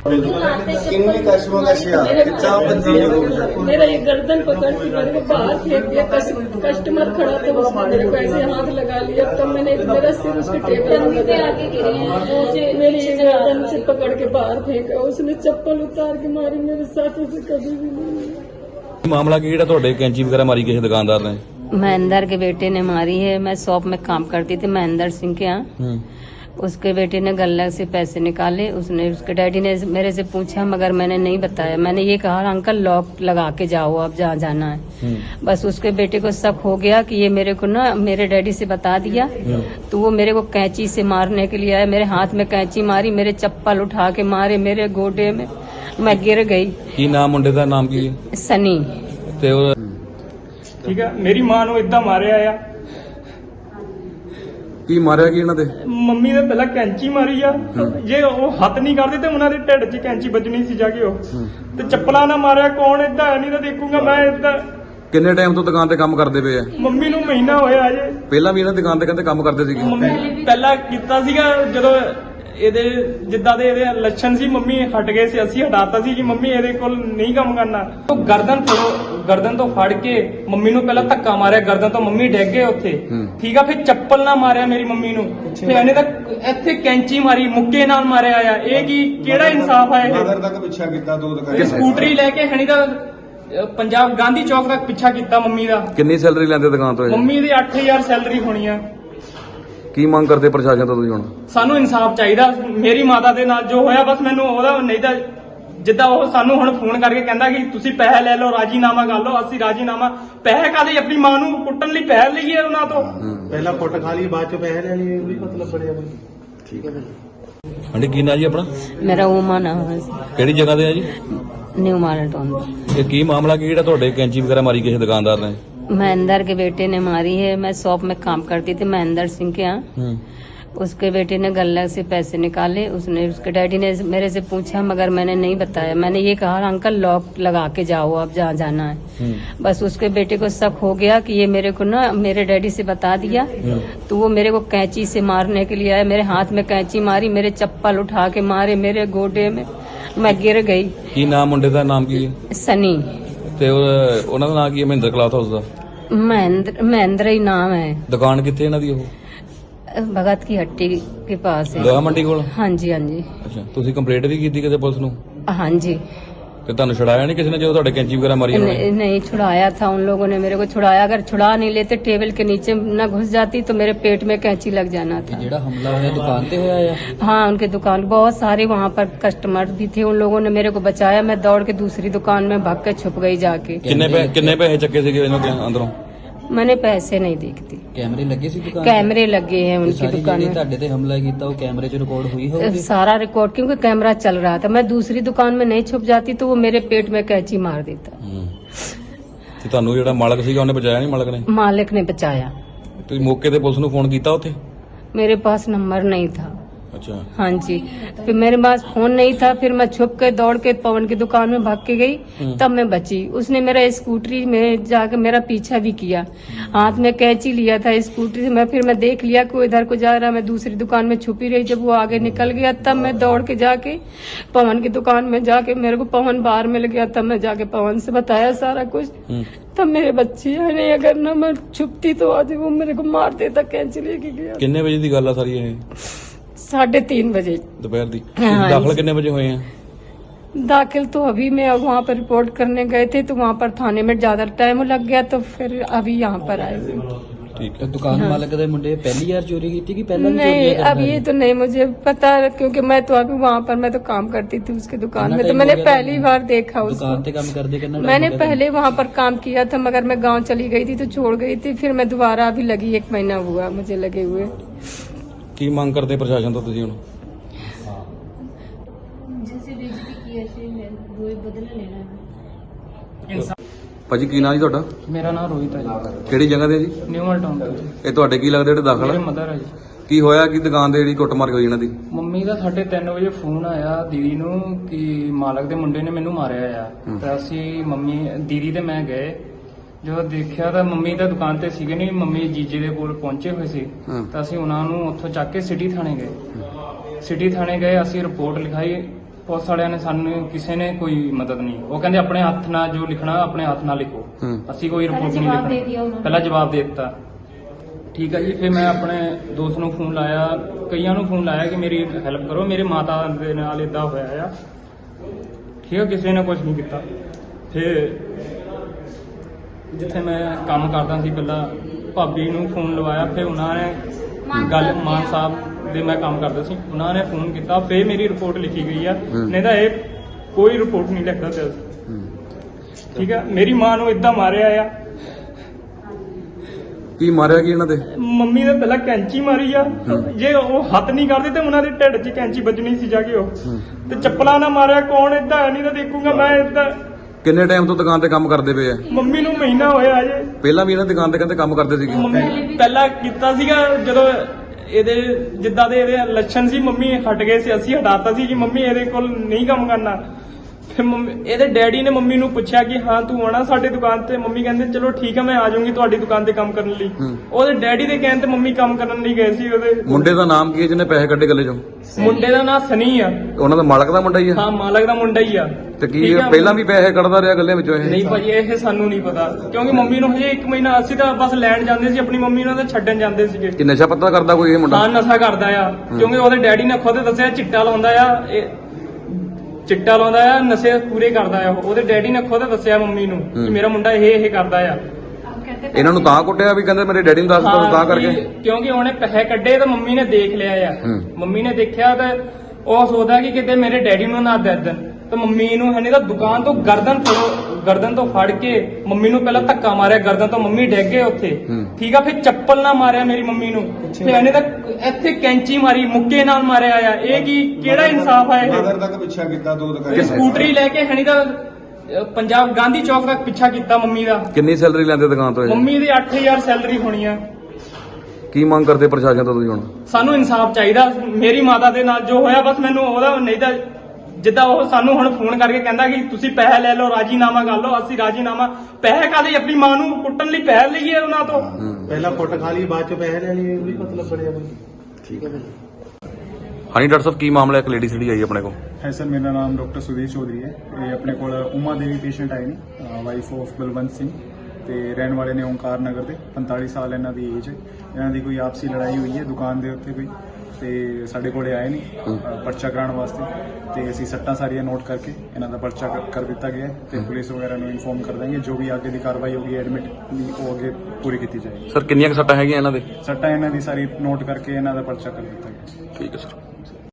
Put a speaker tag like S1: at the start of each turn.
S1: किन्नी कशमकशियां कितना
S2: मेरा ये गर्दन पकड़ के मेरे को बाहर फेंक दिया। कस्टमर खड़ा था, उसने मेरे को ऐसे हाथ लगा लिया। तब मैंने मेरा सिर उसके टेबल पे आके गिरे हैं। मेरी गर्दन से पकड़ के बाहर फेंका। उसने चप्पल उतार के मारी। मेरे साथ उसे कभी भी नहीं।
S3: मामला की ਜਿਹੜਾ ਤੁਹਾਡੇ ਕੈਂਚੀ ਵਗੈरह मारी किसी दुकानदार ने?
S4: महेंद्र के बेटे ने मारी है। मैं शॉप में काम करती थी महेंद्र सिंह के यहाँ। उसके बेटे ने गल्ला से पैसे निकाले। उसके डैडी ने मेरे से पूछा, मगर मैंने नहीं बताया। मैंने ये कहा, अंकल लॉक लगा के जाओ, आप जहाँ जाना है। बस उसके बेटे को शक हो गया कि ये मेरे को ना मेरे डैडी से बता दिया, तो वो मेरे को कैंची से मारने के लिए आया। मेरे हाथ में कैंची मारी, मेरे चप्पल उठा के मारे मेरे गोडे में। मैं गिर गई।
S3: की नाम मुंडे का नाम की?
S4: सनी।
S5: ठीक है, मेरी मां ਨੂੰ ਇਦਾਂ ਮਾਰਿਆ ਆ।
S3: ਕੀ ਮਾਰਿਆ ਕੀ ਇਹਨਾਂ ਦੇ?
S5: ਮੰਮੀ ਨੇ ਪਹਿਲਾਂ ਕੈਂਚੀ ਮਾਰੀ ਆ। ਜੇ ਉਹ ਹੱਥ ਨਹੀਂ ਕਰਦੇ ਤੇ ਉਹਨਾਂ ਦੇ ਢਿੱਡ 'ਚ ਕੈਂਚੀ ਵੱਜਣੀ ਸੀ ਜਾ ਕੇ ਉਹ। ਤੇ ਚੱਪਲਾਂ ਨਾਲ ਮਾਰਿਆ। ਕੌਣ ਇਦਾਂ ਨਹੀਂ ਤਾਂ ਦੇਖੂਗਾ ਮੈਂ ਇਦਾਂ।
S3: ਕਿੰਨੇ ਟਾਈਮ ਤੋਂ ਦੁਕਾਨ ਤੇ ਕੰਮ ਕਰਦੇ ਪਏ ਆ?
S5: ਮੰਮੀ ਨੂੰ ਮਹੀਨਾ ਹੋਇਆ ਅਜੇ।
S3: ਪਹਿਲਾਂ ਵੀ ਇਹਨਾਂ ਦੁਕਾਨ ਤੇ ਕਹਿੰਦੇ ਕੰਮ ਕਰਦੇ ਸੀਗੇ?
S5: ਮੰਮੀ ਪਹਿਲਾਂ ਕੀਤਾ ਸੀਗਾ ਜਦੋਂ ਇਹਦੇ ਜਿੱਦਾਂ ਦੇ ਇਹਦੇ ਲੱਛਣ ਸੀ। ਮੰਮੀ ਹਟ ਗਏ ਸੀ, ਅਸੀਂ ਹਟਾਤਾ ਸੀ ਕਿ ਮੰਮੀ ਇਹਦੇ ਕੋਲ ਨਹੀਂ ਕੰਮ ਕਰਨਾ। ਉਹ ਗਰਦਨ ਤੋਂ ਫੜ ਕੇ ਮੰਮੀ ਨੂੰ ਪਹਿਲਾਂ ਧੱਕਾ ਮਾਰਿਆ। ਗਰਦਨ ਤੋਂ ਮੰਮੀ ਡਿੱਗ ਗਏ ਉੱਥੇ। ਠੀਕ ਆ, ਫਿਰ ਚੱਪਲ ਨਾਲ ਮਾਰਿਆ ਮੇਰੀ ਮੰਮੀ ਨੂੰ। ਫਿਰ ਇਹਨੇ ਤਾਂ ਇੱਥੇ ਕੈਂਚੀ ਮਾਰੀ, ਮੁੱਕੇ ਨਾਲ ਮਾਰਿਆ ਆ। ਇਹ ਕੀ ਕਿਹੜਾ ਇਨਸਾਫ ਆ ਇਹ?
S1: नगर तक पीछा किया दो दुकान।
S5: ਸਕੂਟਰੀ ਲੈ ਕੇ ਹਣੀ ਦਾ ਪੰਜਾਬ ਗਾਂਧੀ ਚੌਕ ਤੱਕ ਪਿੱਛਾ ਕੀਤਾ ਮੰਮੀ ਦਾ।
S3: ਕਿੰਨੀ ਸੈਲਰੀ ਲੈਂਦੇ ਦੁਕਾਨ ਤੋਂ ਇਹ?
S5: ਮੰਮੀ ਦੀ 8000 ਸੈਲਰੀ ਹੋਣੀ ਆ।
S3: ਕੀ ਮੰਗ ਕਰਦੇ ਪ੍ਰਸ਼ਾਸਨ ਤੋਂ ਤੁਸੀਂ ਹੁਣ?
S5: ਸਾਨੂੰ ਇਨਸਾਫ ਚਾਹੀਦਾ। ਮੇਰੀ ਮਾਤਾ ਦੇ ਨਾਲ ਜੋ ਹੋਇਆ ਬਸ ਮੈਨੂੰ ਉਹਦਾ ਨਹੀਂ ਤਾਂ ਜਿੱਦਾਂ ਉਹ ਸਾਨੂੰ ਹੁਣ ਫੋਨ ਕਰਕੇ ਕਹਿੰਦਾ ਕਿ ਤੁਸੀਂ ਪੈਸੇ ਲੈ ਲਓ, ਰਾਜੀਨਾਮਾ ਕਰ ਲਓ। ਅਸੀਂ ਰਾਜੀਨਾਮਾ ਪੈਸੇ ਕਾਹਦੇ? ਆਪਣੀ ਮਾਂ ਨੂੰ ਕੁੱਟਣ ਲਈ ਪੈਸੇ ਲਈਏ ਉਹਨਾਂ ਤੋਂ।
S6: ਪਹਿਲਾਂ ਕੁੱਟ ਖਾ ਲਈ, ਬਾਅਦ ਚ ਪੈਸੇ ਲੈ ਲਈਏ, ਉਹ ਵੀ ਮਤਲਬ ਬਣਿਆ ਕੋਈ।
S3: ਠੀਕ ਹੈ ਹਾਂਜੀ। ਕੀ ਨਾਂ ਜੀ ਆਪਣਾ?
S4: मेरा उमा नाम है।
S3: ਕਿਹੜੀ ਜਗ੍ਹਾ ਤੇ ਆ ਜੀ?
S4: New marathon.
S3: ਇਹ ਕੀ ਮਾਮਲਾ ਕੀ ਜਿਹੜਾ ਤੁਹਾਡੇ ਕੈਂਚੀ ਵਗੈरह ਮਾਰੀ ਕਿਸੇ ਦੁਕਾनदार ਨੇ?
S4: महेंद्र के बेटे ने मारी है। मैं शॉप में काम करती थी महेंद्र सिंह के यहाँ। उसके बेटे ने गल्ला से पैसे निकाले। उसके डैडी ने मेरे से पूछा, मगर मैंने नहीं बताया। मैंने ये कहा, अंकल लॉक लगा के जाओ, आप जहाँ जाना है। बस उसके बेटे को शक हो गया कि ये मेरे को ना मेरे डैडी से बता दिया, तो वो मेरे को कैंची से मारने के लिए आया। मेरे हाथ में कैंची मारी, मेरे चप्पल उठा के मारे मेरे गोडे में। मैं गिर गई।
S3: ਕੀ ਨਾਮ ਮੁੰਡੇ ਦਾ ਨਾਮ ਕੀ ਹੈ?
S4: सनी।
S3: ਤੇ ਉਹਨਾਂ ਦਾ ਨਾਮ ਕੀ ਹੈ? ਮਹਿੰਦਰ ਕਲਾਥ ਹਾਊਸ ਦਾ?
S4: महेंद्र ही नाम है।
S3: ਦੁਕਾਨ ਕਿੱਥੇ ਇਹਨਾਂ ਦੀ? ਉਹ
S4: भगत की हट्टी के पास है।
S3: ਲੋਹਾ ਮੰਡੀ ਕੋਲ?
S4: हाँ जी, हाँ जी,
S3: ਅੱਛਾ, ਤੁਸੀਂ ਕੰਪਲੇਂਟ ਵੀ ਕੀਤੀ ਕਿਤੇ ਪੁਲਿਸ ਨੂੰ?
S4: हाँ जी।
S3: ਤੇ ਤੁਹਾਨੂੰ ਛਡਾਇਆ ਨਹੀਂ ਕਿਸੇ ਨੇ ਜਦੋਂ ਤੁਹਾਡੇ ਕੈਂਚੀ ਵਗੈरह ਮਾਰੀ ਉਹਨਾਂ ਨੇ?
S4: नहीं छुड़ाया था उन लोगों ने मेरे को। छुड़ाया, अगर छुड़ा नहीं लेते टेबल के नीचे न घुस जाती तो मेरे पेट में कैंची लग जाना था।
S7: ਜਿਹੜਾ ਹਮਲਾ ਹੋਇਆ ਦੁਕਾਨ ਤੇ ਹੋਇਆ ਆ?
S4: हाँ, उनके दुकान बहुत सारे वहाँ पर कस्टमर भी थे। उन लोगों ने मेरे को बचाया। मैं दौड़ के दूसरी दुकान में भाग के छुप गई जाके।
S3: ਕਿੰਨੇ ਪੈਸੇ ਚੱਕੇ ਸੀਗੇ ਇਹਨਾਂ ਦੇ ਅੰਦਰੋਂ?
S4: मैंने पैसे नहीं देखती।
S7: ਕੈਮਰੇ ਲੱਗੇ ਸੀ ਦੁਕਾਨ?
S4: कैमरे लगे हैं उनकी दुकान में।
S7: ਤੁਹਾਡੇ ਤੇ ਹਮਲਾ ਕੀਤਾ ਉਹ ਕੈਮਰੇ 'ਚ ਰਿਕਾਰਡ ਹੋਈ ਹੋਊਗੀ?
S4: सारा रिकॉर्ड, क्योंकि कैमरा चल रहा था। मैं दूसरी दुकान में नहीं छुप जाती तो वो मेरे पेट में कैंची मार देता।
S3: ਤੇ ਤੁਹਾਨੂੰ ਜਿਹੜਾ ਮਾਲਕ ਸੀਗਾ ਉਹਨੇ ਬਚਾਇਆ ਨਹੀਂ? ਮਾਲਕ ਨੇ?
S4: मालिक ने बचाया।
S3: ਤੁਸੀਂ ਮੌਕੇ ਤੇ ਪੁਲਿਸ ਨੂੰ ਫੋਨ ਕੀਤਾ ਉੱਥੇ?
S4: मेरे पास नंबर नहीं था।
S3: अच्छा।
S4: हाँ जी, फिर मेरे पास फोन नहीं था। फिर मैं छुप के दौड़ के पवन की दुकान में भाग के गई, तब मैं बची। उसने मेरा स्कूटरी में जाके मेरा पीछा भी किया। हाथ में कैंची लिया था स्कूटरी से। फिर मैं देख लिया कि वो इधर को जा रहा। मैं दूसरी दुकान में छुपी रही। जब वो आगे निकल गया तब मैं दौड़ के जाके पवन की दुकान में जाके, मेरे को पवन बाहर मिल गया, तब मैं जाके पवन से बताया सारा कुछ। तब मेरे बच्चे है नहीं, अगर ना मैं छुपती तो आज वो मेरे को मार देता। कैंची लेके गया।
S3: ਕਿੰਨੇ ਵਜੇ ਦੀ ਗੱਲ ਆ ਸਾਰੀ ਇਹ?
S4: 3:30 बजे
S3: ਦੁਪਹਿਰ ਦੀ?
S4: हाँ।
S3: ਦਾਖਲ ਕਿੰਨੇ ਵਜੇ ਹੋਏ ਆ?
S4: दाखिल तो अभी मैं वहाँ पर रिपोर्ट करने गए थे, तो वहाँ पर थाने में ज्यादा टाइम लग गया, तो फिर अभी यहाँ पर आए।
S3: ठीक है।
S7: दुकान मालिक ਦੇ ਮੁੰਡੇ ਪਹਿਲੀ ਵਾਰ ਚੋਰੀ ਕੀਤੀ ਕਿ ਪਹਿਲਾਂ ਵੀ
S4: नहीं,
S7: ਚੋਰੀਆਂ
S4: अब
S7: ਕਰਦੇ?
S4: ये तो नहीं मुझे पता, क्योंकि मैं तो अभी वहाँ पर मैं तो काम करती थी उसकी दुकान में, तो मैंने पहली बार देखा उसको।
S7: दुकान पे काम करते कितना?
S4: मैंने पहले वहाँ पर काम किया था, मगर मैं गांव चली गई थी तो छोड़ गई थी। फिर मैं दोबारा अभी लगी, 1 महीना हुआ मुझे लगे हुए।
S3: ਕੀ ਮੰਗ ਕਰਦੇ ਪ੍ਰਸ਼ਾਸਨ ਤੋਂ ਤੁਸੀਂ ਹੁਣ? ਭਾਜੀ ਕੀ ਨਾਂ ਜੀ ਤੁਹਾਡਾ?
S5: ਮੇਰਾ ਨਾਮ ਰੋਹਿਤ ਹੈ ਜੀ।
S3: ਕਿਹੜੀ ਜਗ੍ਹਾ ਤੇ ਜੀ?
S5: ਨਿਊ ਮਾਲਟਾਊਨ ਤੋਂ।
S3: ਇਹ ਤੁਹਾਡੇ ਕੀ ਲੱਗਦੇ ਜਿਹੜੇ ਦਾਖਲ
S5: ਮੇਰੇ
S3: ਆ?
S5: ਮਦਰ ਹੈ ਜੀ।
S3: ਕੀ ਹੋਇਆ ਕਿ ਦੁਕਾਨ ਤੇ ਜਿਹੜੀ ਕੁੱਟਮਾਰ ਹੋਈ ਇਹਨਾਂ ਦੀ?
S5: ਮੰਮੀ ਦਾ 3:30 ਵਜੇ ਫੋਨ ਆਇਆ ਦੀਦੀ ਨੂੰ ਕਿ ਮਾਲਕ ਦੇ ਮੁੰਡੇ ਨੇ ਮੈਨੂੰ ਮਾਰਿਆ ਆ। ਤਾਂ ਅਸੀਂ ਮੰਮੀ ਦੀਦੀ ਤੇ ਮੈਂ ਗਏ। ਜਦੋਂ ਦੇਖਿਆ ਤਾਂ ਮੰਮੀ ਤਾਂ ਦੁਕਾਨ ਤੇ ਸੀਗੇ ਨਹੀਂ। ਮੰਮੀ ਜੀਜੇ ਦੇ ਕੋਲ ਪਹੁੰਚੇ ਹੋਏ ਸੀ। ਤਾਂ ਅਸੀਂ ਉਹਨਾਂ ਨੂੰ ਉੱਥੋਂ ਚੱਕ ਕੇ ਸਿਟੀ ਥਾਣੇ ਗਏ। ਅਸੀਂ ਰਿਪੋਰਟ ਲਿਖਾਈ। ਪੁਲਿਸ ਵਾਲਿਆਂ ਨੇ ਸਾਨੂੰ ਕਿਸੇ ਨੇ ਕੋਈ ਮਦਦ ਨਹੀਂ। ਉਹ ਕਹਿੰਦੇ ਆਪਣੇ ਹੱਥ ਨਾਲ ਜੋ ਲਿਖਣਾ ਆਪਣੇ ਹੱਥ ਨਾਲ ਲਿਖੋ, ਅਸੀਂ ਕੋਈ ਰਿਪੋਰਟ ਨਹੀਂ ਲਿਖਣੀ। ਪਹਿਲਾਂ ਜਵਾਬ ਦੇ ਦਿੱਤਾ। ਠੀਕ ਹੈ ਜੀ। ਫਿਰ ਮੈਂ ਆਪਣੇ ਦੋਸਤ ਨੂੰ ਫੋਨ ਲਾਇਆ, ਕਈਆਂ ਨੂੰ ਫੋਨ ਲਾਇਆ ਕਿ ਮੇਰੀ ਹੈਲਪ ਕਰੋ, ਮੇਰੇ ਮਾਤਾ ਦੇ ਨਾਲ ਇਦਾਂ ਹੋਇਆ ਆ। ਠੀਕ ਹੈ, ਕਿਸੇ ਨੇ ਕੁਝ ਨਹੀਂ ਕੀਤਾ। ਫਿਰ ਜਿੱਥੇ ਮੈਂ ਕੰਮ ਕਰਦਾ ਸੀ ਪਹਿਲਾਂ ਭਾਬੀ ਨੂੰ ਫੋਨ ਲਵਾਇਆ, ਫਿਰ ਉਹਨਾਂ ਨੇ ਗੱਲ ਮਾਨ ਸਾਹਿਬ ਦੇ ਮੈਂ ਕੰਮ ਕਰਦਾ ਸੀ, ਉਹਨਾਂ ਨੇ ਫੋਨ ਕੀਤਾ, ਫਿਰ ਮੇਰੀ ਰਿਪੋਰਟ ਲਿਖੀ ਗਈ ਆ। ਨਹੀਂ ਤਾਂ ਇਹ ਕੋਈ ਰਿਪੋਰਟ ਨਹੀਂ ਲਿਖਦਾ ਪਿਆ ਸੀ। ਠੀਕ ਹੈ, ਮੇਰੀ ਮਾਂ ਨੂੰ ਇਦਾਂ ਮਾਰਿਆ ਆ।
S3: ਕੀ ਮਾਰਿਆ ਕੀ ਇਹਨਾਂ ਦੇ?
S5: ਮੰਮੀ ਨੇ ਪਹਿਲਾਂ ਕੈਂਚੀ ਮਾਰੀ ਆ। ਜੇ ਉਹ ਹੱਥ ਨਹੀਂ ਕਰਦੇ ਤੇ ਉਹਨਾਂ ਦੇ ਢਿੱਡ 'ਚ ਕੈਂਚੀ ਵੱਜਣੀ ਸੀ ਜਾ ਕੇ। ਉਹ ਤੇ ਚੱਪਲਾਂ ਨਾਲ ਮਾਰਿਆ। ਕੌਣ ਏਦਾਂ ਨਹੀਂ ਤਾਂ ਦੇਖੂਗਾ ਮੈਂ ਏਦਾਂ।
S3: ਕਿੰਨੇ ਟਾਈਮ ਤੋਂ ਦੁਕਾਨ ਤੇ ਕੰਮ ਕਰਦੇ ਪਏ ਆ?
S5: ਮੰਮੀ ਨੂੰ ਮਹੀਨਾ ਹੋਇਆ ਜੇ।
S3: ਪਹਿਲਾਂ ਵੀ ਇਹਨਾਂ ਦੁਕਾਨ ਤੇ ਕਹਿੰਦੇ ਕੰਮ ਕਰਦੇ ਸੀਗੇ?
S5: ਮੰਮੀ ਪਹਿਲਾਂ ਕੀਤਾ ਸੀਗਾ, ਜਦੋਂ ਇਹਦੇ ਜਿੱਦਾਂ ਦੇ ਇਹਦੇ ਲੱਛਣ ਸੀ ਮੰਮੀ ਹਟ ਗਏ ਸੀ, ਅਸੀਂ ਹਟਾਤਾ ਸੀ ਕਿ ਮੰਮੀ ਇਹਦੇ ਕੋਲ ਨਹੀਂ ਕੰਮ ਕਰਨਾ। ਫਿਰ ਮੰਮੀ ਇਹਦੇ ਡੈਡੀ ਨੇ ਮੰਮੀ ਨੂੰ ਪੁੱਛਿਆ ਕਿ ਹਾਂ ਤੂੰ ਆਉਣਾ ਸਾਡੇ ਦੁਕਾਨ ਤੇ। ਮੰਮੀ ਕਹਿੰਦੇ ਚਲੋ ਠੀਕ ਹੈ ਮੈਂ ਆ ਜਾਊਂਗੀ ਤੁਹਾਡੀ ਦੁਕਾਨ ਤੇ ਕੰਮ ਕਰਨ ਲਈ। ਉਹਦੇ ਡੈਡੀ ਦੇ ਕਹਿਣ ਤੇ ਮੰਮੀ ਕੰਮ ਕਰਨ ਲਈ ਗਏ ਸੀ। ਉਹਦੇ
S3: ਮੁੰਡੇ ਦਾ ਨਾਮ ਕੀ ਹੈ ਜਿਹਨੇ ਪੈਸੇ ਕੱਢੇ ਗੱਲੇ ਚੋਂ?
S5: ਮੁੰਡੇ ਦਾ ਨਾਮ ਸਨੀ ਆ।
S3: ਉਹਨਾਂ ਦਾ ਮਾਲਕ ਦਾ ਮੁੰਡਾ ਹੀ ਆ?
S5: ਹਾਂ, ਮਾਲਕ ਦਾ ਮੁੰਡਾ ਹੀ ਆ।
S3: ਤੇ ਕੀ
S5: ਠੀਕ ਆ।
S3: ਪਹਿਲਾਂ ਵੀ ਪੈਸੇ ਕੱਢਦਾ ਰਿਹਾ ਗੱਲੇ ਵਿੱਚੋਂ ਇਹ?
S5: ਨਹੀਂ ਭਾਜੀ, ਇਹ ਸਾਨੂੰ ਨਹੀਂ ਪਤਾ, ਕਿਉਂਕਿ ਮੰਮੀ ਨੂੰ ਹਜੇ 1 ਮਹੀਨਾ ਅਸੀਂ ਤਾਂ ਬਸ ਲੈਣ ਜਾਂਦੇ ਸੀ, ਆਪਣੀ ਮੰਮੀ ਨੂੰ ਤਾਂ ਛੱਡਣ ਜਾਂਦੇ ਸੀਗੇ।
S3: ਕਿ ਨਸ਼ਾ ਪੱਤਾ ਕਰਦਾ ਕੋਈ ਇਹ ਮੁੰਡਾ?
S5: ਹਾਂ, ਨਸ਼ਾ ਕਰਦਾ ਆ, ਕਿਉਂਕਿ ਉਹਦੇ ਡੈਡੀ ਨੇ ਖੁਦ ਦੱਸਿਆ ਚਿੱਟਾ ਲਾਉਂਦਾ ਆ। ਚਿੱਟਾ ਲਾਉਂਦਾ ਆ, ਨਸ਼ੇ ਪੂਰੇ ਕਰਦਾ ਆ। ਉਹਦੇ ਡੈਡੀ ਨੇ ਖੁਦ ਦੱਸਿਆ ਮੰਮੀ ਨੂੰ ਕਿ ਮੇਰਾ ਮੁੰਡਾ ਇਹ ਕਰਦਾ ਆ।
S3: ਇਹਨਾਂ ਨੂੰ ਤਾਂ ਕੁੱਟਿਆ ਵੀ ਕਹਿੰਦੇ ਮੇਰੇ ਡੈਡੀ ਨੂੰ ਦੱਸ ਦੋ ਤਾਂ ਕਰਕੇ?
S5: ਕਿਉਂਕਿ ਉਹਨੇ ਪੈਸੇ ਕੱਢੇ ਤਾਂ ਮੰਮੀ ਨੇ ਦੇਖ ਲਿਆ ਆ। ਮੰਮੀ ਨੇ ਦੇਖਿਆ ਤਾਂ ਉਹ ਸੋਚਦਾ ਕਿ ਕਿਤੇ ਮੇਰੇ ਡੈਡੀ ਨੂੰ ਨਾ ਦੇ ਦੇਣ। ਤਾਂ ਮੰਮੀ ਨੂੰ ਹਨੇ ਤਾਂ ਦੁਕਾਨ ਤੋਂ ਗਰਦਨ ਤੋਂ ਫੜ ਕੇ ਮੰਮੀ ਨੂੰ ਪਹਿਲਾਂ ਧੱਕਾ ਮਾਰਿਆ ਗਰਦਨ ਤੋਂ। ਮੰਮੀ ਡਿੱਗ ਗਏ ਉੱਥੇ। ਠੀਕ ਆ। ਫਿਰ ਚੱਪਲ ਨਾਲ ਮਾਰਿਆ ਮੇਰੀ ਮੰਮੀ ਨੂੰ। ਫਿਰ ਇਹਨੇ ਤਾਂ ਇੱਥੇ ਕੈਂਚੀ ਮਾਰੀ, ਮੁੱਕੇ ਨਾਲ ਮਾਰਿਆ ਆ। ਇਹ ਕੀ ਕਿਹੜਾ ਇਨਸਾਫ ਆ ਇਹ?
S1: ਨਗਰ ਤੱਕ ਪਿੱਛਾ ਕੀਤਾ 2 ਦੁਕਾਨਾਂ।
S5: ਸਕੂਟਰੀ ਲੈ ਕੇ ਹਣੀ ਤਾਂ ਪੰਜਾਬ ਗਾਂਧੀ ਚੌਕ ਤੱਕ ਪਿੱਛਾ ਕੀਤਾ ਮੰਮੀ ਦਾ।
S3: ਕਿੰਨੀ ਸੈਲਰੀ ਲੈਂਦੇ ਦੁਕਾਨ ਤੋਂ ਇਹ?
S5: ਮੰਮੀ ਦੀ 8000 ਸੈਲਰੀ ਹੋਣੀ ਆ।
S3: ਕੀ ਮੰਗ ਕਰਦੇ ਪ੍ਰਸ਼ਾਸਨ ਤੋਂ ਤੁਸੀਂ ਹੁਣ?
S5: ਸਾਨੂੰ ਇਨਸਾਫ ਚਾਹੀਦਾ। ਮੇਰੀ ਮਾਤਾ ਦੇ ਨਾਲ ਜੋ ਹੋਇਆ ਬਸ ਮੈਨੂੰ ਉਹਦਾ ਨਹੀਂ ਤਾਂ ਜਿੱਦਾਂ ਉਹ ਸਾਨੂੰ ਹੁਣ ਫੋਨ ਕਰਕੇ ਕਹਿੰਦਾ ਕਿ ਤੁਸੀਂ ਪੈਸੇ ਲੈ ਲਓ, ਰਾਜੀਨਾਮਾ ਕਰ ਲਓ। ਅਸੀਂ ਰਾਜੀਨਾਮਾ ਪੈਸੇ ਕਾਹਦੇ? ਆਪਣੀ ਮਾਂ ਨੂੰ ਕੁੱਟਣ ਲਈ ਪੈਸੇ ਲਈਏ ਉਹਨਾਂ ਤੋਂ?
S6: ਪਹਿਲਾਂ ਕੁੱਟ ਖਾ ਲਈ, ਬਾਅਦ ਚ ਪੈਸੇ ਲੈ ਲਈ, ਵੀ ਮਤਲਬ ਬਣਿਆ ਕੋਈ।
S3: ਠੀਕ ਹੈ। ਹਾਂਜੀ ਡਾਕਟਰ ਸਾਹਿਬ, ਕੀ ਮਾਮਲਾ? ਇੱਕ ਲੇਡੀ ਜਿਹੜੀ ਆਈ ਆਪਣੇ ਕੋਲ।
S8: ਹੈ ਸਰ, ਮੇਰਾ ਨਾਮ ਡਾਕਟਰ ਸੁਦੀਪ ਚੌਧਰੀ ਹੈ। ਇਹ ਆਪਣੇ ਕੋਲ ਉਮਾ ਦੇਵੀ ਪੇਸ਼ੈਂਟ ਆਏ ਨੇ, ਵਾਈਫ ਆਫ ਬਲਵੰਤ ਸਿੰਘ, ਤੇ ਰਹਿਣ ਵਾਲੇ ਨੇ ਓਂਕਾਰ ਨਗਰ ਦੇ। 45 ਸਾਲ ਇਹਨਾਂ ਦੀ ਏਜ ਹੈ। ਇਹਨਾਂ ਦੀ ਕੋਈ ਆਪਸੀ ਲੜਾਈ ਹੋਈ ਹੈ ਦੁਕਾਨ ਦੇ ਉੱਤੇ ਕੋਈ, ਤੇ ਸਾਡੇ ਕੋਲੇ ਆਏ ਨੇ ਪਰਚਾ ਕਰਾਉਣ ਵਾਸਤੇ। ਤੇ ਅਸੀਂ ਸੱਟਾਂ ਸਾਰੀਆਂ ਨੋਟ ਕਰਕੇ ਇਹਨਾਂ ਦਾ ਪਰਚਾ ਕਰ ਦਿੱਤਾ ਗਿਆ ਹੈ ਤੇ ਪੁਲਿਸ ਵਗੈਰਾ ਨੂੰ ਇਨਫੋਰਮ ਕਰ ਦਾਂਗੇ। ਜੋ ਵੀ ਅੱਗੇ ਦੀ ਕਾਰਵਾਈ ਹੋਗੀ ਐਡਮਿਟ ਦੀ ਉਹ ਅੱਗੇ ਪੂਰੀ ਕੀਤੀ ਜਾਏਗੀ।
S3: ਸਰ ਕਿੰਨੀਆਂ ਕੁ ਸੱਟਾਂ ਹੈਗੀਆਂ ਇਹਨਾਂ ਦੇ?
S8: ਸੱਟਾਂ ਇਹਨਾਂ ਦੀ ਸਾਰੀ ਨੋਟ ਕਰਕੇ ਇਹਨਾਂ ਦਾ ਪਰਚਾ ਕਰ ਦਿੱਤਾ ਗਿਆ।
S3: ਠੀਕ ਹੈ ਸਰ।